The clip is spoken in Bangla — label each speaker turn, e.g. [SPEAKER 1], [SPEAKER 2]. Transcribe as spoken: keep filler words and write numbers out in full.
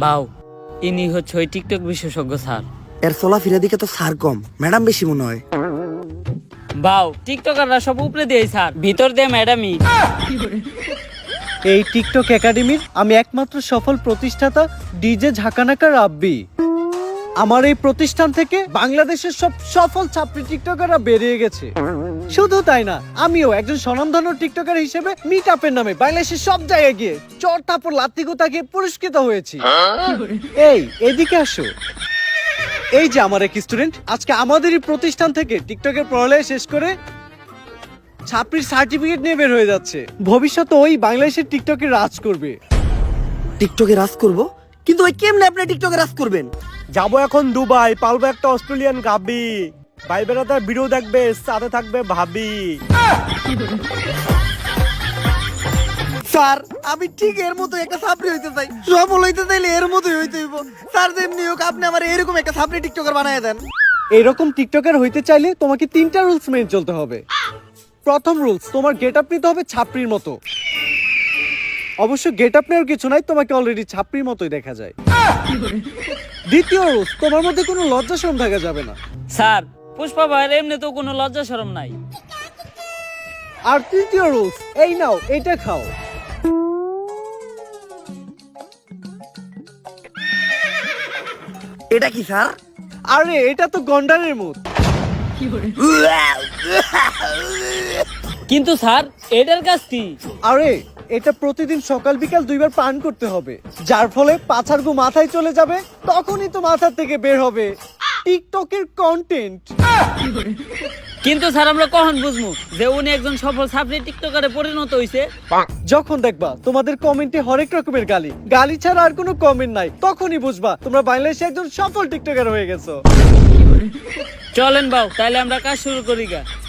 [SPEAKER 1] বাউ, ইনি হচ্ছে ওই টিকটক বিশেষজ্ঞ স্যার।
[SPEAKER 2] এর চলাফেরা দিকে তো স্যার কম, ম্যাডাম বেশি মনে হয়।
[SPEAKER 1] বাউ, টিকটকাররা সব উপরে দিয়ে স্যার, ভিতর দিয়ে ম্যাডামই।
[SPEAKER 3] এই টিকটক একাডেমির আমি একমাত্র সফল প্রতিষ্ঠাতা ডিজে ঝাঁকানাকা রাব্বি। আমার এই প্রতিষ্ঠান থেকে বাংলাদেশের সব সফল ছাত্রী টিকটকাররা বেরিয়ে গেছে। শুধু তাই না, আমিও একজন স্বনামধন্য টিকটকার হিসেবে মিট আপের নামে বাংলাদেশের সব জায়গায় গিয়ে চর থাপ্পড় লাত্তি গুতা গিয়ে পুরস্কৃত হয়েছি। এই এদিকে আসো। এই যে আমার এক স্টুডেন্ট আজকে আমাদেরই প্রতিষ্ঠান থেকে টিকটকের পড়ালেখা শেষ করে ছাত্রীর সার্টিফিকেট নিয়ে বের হয়ে যাচ্ছে। ভবিষ্যতে ওই বাংলাদেশের টিকটকে রাজ করবে।
[SPEAKER 2] টিকটকে রাজ করব, কিন্তু ওই কেমনে আপনি টিকটকে রাজ করবেন?
[SPEAKER 4] যাবো এখন দুবাই, পালবো একটা অস্ট্রেলিয়ান গাবি, ভাই বেড়াতার ভিডিও দেখবে, সাথে থাকবে ভাবি।
[SPEAKER 2] স্যার আমি ঠিক এর মতো একটা ছাত্রী হইতে চাই, সফল হইতে চাইলে এর মতোই হইতে হইব। স্যার যেমনি হোক আপনি আমার এরকম একটা ছাত্রী টিকটকার বানায় দেন।
[SPEAKER 3] এইরকম টিকটকার হইতে চাইলে তোমাকে তিনটা রুলস মেনে চলতে হবে। প্রথম রুলস, তোমার গেট আপ নিতে হবে ছাপড়ির মতো। অবশ্য গেট আপ নেওয়ার কিছু নাই, তোমাকে অলরেডি ছাপড়ির মতোই দেখা যায়। দ্বিতীয় রুলস, তোমার মধ্যে কোনো লজ্জা শরম থাকা যাবে না।
[SPEAKER 1] স্যার, পুষ্পা ভাইয়ের এমনি তো কোনো লজ্জা শরম নাই।
[SPEAKER 3] আর তৃতীয় রুলস, এই নাও এটা খাও।
[SPEAKER 2] এটা কি স্যার?
[SPEAKER 3] আরে এটা তো গন্ডারের মুখ।
[SPEAKER 1] কিন্তু স্যার, এটার কাজ কি?
[SPEAKER 3] আরে এটা প্রতিদিন সকাল বিকাল দুইবার পান করতে হবে, যার ফলে পাছার গু মাথায় চলে যাবে, তখনই তো মাথা থেকে বের হবে টিকটকের কন্টেন্ট।
[SPEAKER 1] কিন্তু স্যার, আমরা কখন বুঝবো যে উনি একজন সফল ছাত্রী টিকটকারে পরিণত হইছে?
[SPEAKER 3] যখন দেখবা তোমাদের কমেন্টে হরেক রকমের গালি গালি ছাড়া আর কোনো কমেন্ট নাই, তখনই বুঝবা তোমরা বাংলাদেশে একজন সফল টিকটকার হয়ে গেছো।
[SPEAKER 1] চলেন বাউ, তাহলে আমরা কাজ শুরু করি গা।